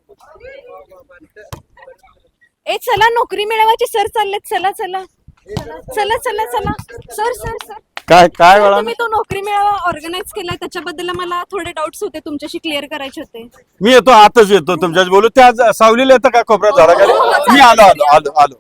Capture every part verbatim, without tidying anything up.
ए चला नोकरी मिळवायची सर चाललेत चला चला चला चला चला सर सर सर काय काय सर, वेळा तुम्ही तो नोकरी मेळावा ऑर्गनाईज केलाय त्याच्याबद्दल मला थोडे डाऊट्स होते तुमच्याशी क्लिअर करायचे होते. मी येतो आताच येतो तुमच्याच बोलू. त्या ज- सावलीला येतं का कोपऱ्यात झाडाखाली? हो, हो, मी चालेल. आलो आलो आलो आलो.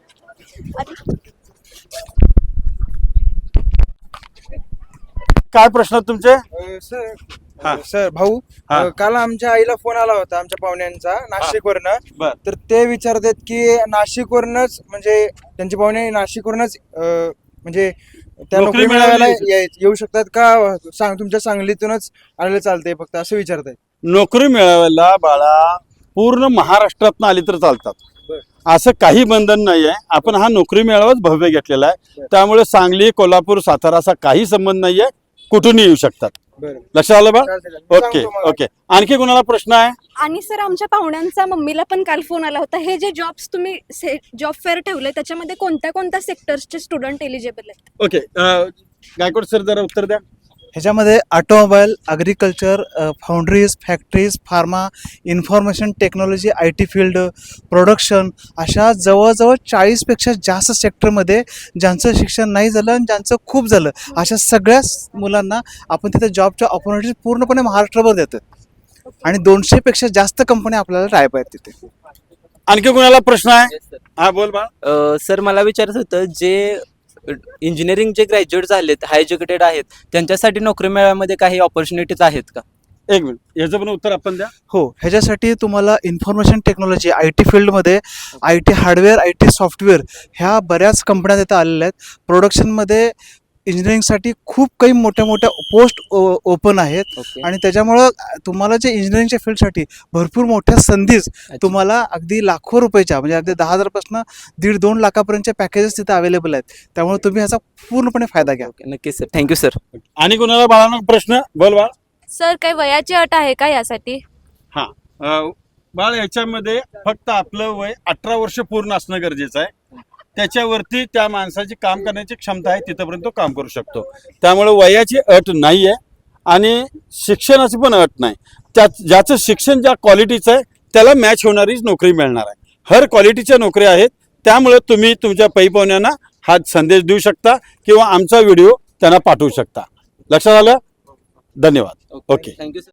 काय प्रश्न आहेत तुमचे? अ, सर हा. अ, सर भाऊ हा. अ, काल आमच्या आईला फोन आला होता आमच्या पाहुण्यांचा नाशिकवरनं. बर. तर ते विचारतात की नाशिकवरनच म्हणजे त्यांचे पाहुणे नाशिकवरनच अ, म्हणजे त्या नोकरी नोकरी मिळायला मिळायला याय- येऊ शकतात का सांग तुमच्या सांगलीतूनच आलेलं चालतंय फक्त असं विचारताय. नोकरी मिळवायला बाळा पूर्ण महाराष्ट्रातनं आली तर चालतात. बर. असं काही बंधन नाही आहे. आपण हा नोकरी मेळावाच भव्य घेतलेला आहे. बर. त्यामुळे सांगली कोल्हापूर सातारा असा काही संबंध नाहीये. कुठूनही येऊ शकतात. बरं लक्षात आलं बा? चालतंय, चालतंय. ओके सांगतो मला. ओके. आणखी कोणाला प्रश्न आहे? आणि सर आमच्या पाहुण्यांचा मम्मीला पण काल फोन आला होता. हे जे जॉब्स तुम्ही जॉब फेअर ठेवले त्याच्यामध्ये कोणत्या कोणत्या सेक्टर्सचे स्टुडंट एलिजिबल आहेत? ओके अं, गायकवाड सर जरा उत्तर द्या. ह्याच्यामध्ये automobile, agriculture, foundries, factories, pharma, information technology, I T field, production अशा जवळजवळ चाळीसपेक्षा जास्त सेक्टरमध्ये ज्यांचं शिक्षण नाही झालं आणि ज्यांचं खूप झालं अशा सगळ्याच मुलांना आपण तिथे जॉबच्या ऑपॉर्च्युनिटीज पूर्णपणे महाराष्ट्रभर देतो आणि दोनशेपेक्षा जास्त कंपन्या आपल्याला टायप आहेत तिथे. आणखी कोणाला प्रश्न आहे? हा बोल बा. अ, सर मला विचारत होतं जे इंजिनिअरिंग जे ग्रॅज्युएट झालेत हाय एज्युकेटेड आहेत त्यांच्यासाठी नोकरी मेळाव्यामध्ये काही ऑपॉर्च्युनिटीज आहेत का? एक मिनिट याचं पण उत्तर आपण द्या. हो, ह्याच्यासाठी तुम्हाला इन्फॉर्मेशन टेक्नॉलॉजी आय टी फील्डमध्ये I T hardware, I T software ह्या बऱ्याच कंपन्या तिथं आलेल्या आहेत. प्रोडक्शनमध्ये इंजिनिअरिंगसाठी खूप काही मोठ्या मोठ्या पोस्ट ओपन आहेत ओके. आणि त्याच्यामुळं तुम्हाला जे इंजिनिअरिंगच्या फील्डसाठी भरपूर मोठ्या संधीच तुम्हाला अगदी लाखो रुपयाच्या म्हणजे अगदी दहा हजारपासून दीड दोन लाखापर्यंतच्या पॅकेजेस तिथे अवेलेबल आहेत. त्यामुळे तुम्ही ह्याचा पूर्णपणे फायदा घ्या. ओके नक्कीच सर, थँक्यू सर. आणि कोणाला बाळांना प्रश्न? बोल बाळ. सर काही वयाची अट आहे का यासाठी? हा अं, बाळ याच्यामध्ये फक्त आपलं वय अठरा वर्ष पूर्ण असणं गरजेचं आहे. त्याच्यावरती त्या माणसाची काम करण्याची क्षमता आहे तिथपर्यंत तो काम करू शकतो. त्यामुळे वयाची अट नाही आहे आणि शिक्षणाची पण अट नाही. त्या ज्याचं शिक्षण ज्या क्वालिटीचं आहे त्याला मॅच होणारीच नोकरी मिळणार आहे. हर क्वालिटीच्या नोकऱ्या आहेत. त्यामुळे तुम्ही तुमच्या पै-पाहुण्यांना हा संदेश देऊ शकता किंवा आमचा व्हिडिओ त्यांना पाठवू शकता. लक्षात आलं? धन्यवाद. ओके. Thank you sir.